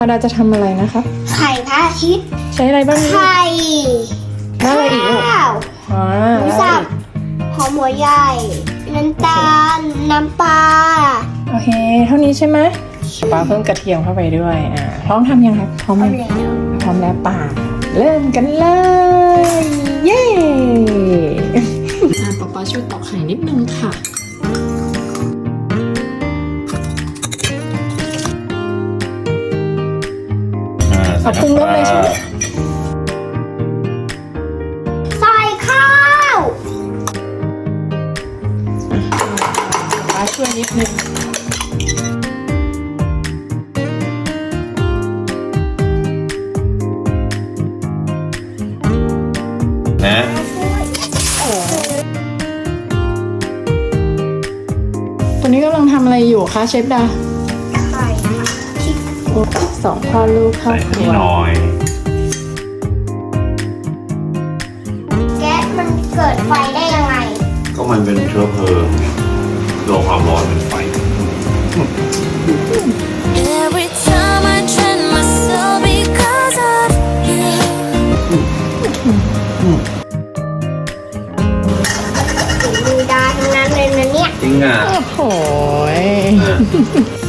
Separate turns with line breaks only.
เราจะทำอะไรนะครับ
ไข่พระอาทิตย์
ใช้อะไรบ้างนี่
ไข่
แล้วอะไรอีกลูก
ข้าว
อ๋อ
หมู
แล้วอะไร
สับ
อีก
หอมหัวใหญ่ น้ำตาล น้ำปลา
โอเค เท่านี้ใช่ไหมปลาเพิ่มกระเทียมเข้าไปด้วยพร้อมทำยังครับพร้อม
เอา
ยัง
แล้ว
พร้อมแล้วป่าเริ่มกันเลย เย้ป๊าช่วยตอกไข่นิดนึงค่ะ เอาปรุงรสเลยใช่ไหม
ใส่ข้าว
ป๊าช่วยนิดนึง
นะ
ตอนนี้กำลังทำอะไรอยู่คะเชฟดา
ไข่ที่
โอ้สองพ่อลูกเข้า
ใส่
ครั
นี่
ว
หน่อย
แก๊สมันเกิดไฟได้ยังไง
ก็มันเป็นเชื้อเพลิงไงโดนความร้อนเป็นไฟ
Every time I train myself because of you.
ถึงมือดาทั้งนั้นเลยนะเนี่ย
จริงอ่ะ
โอ้โห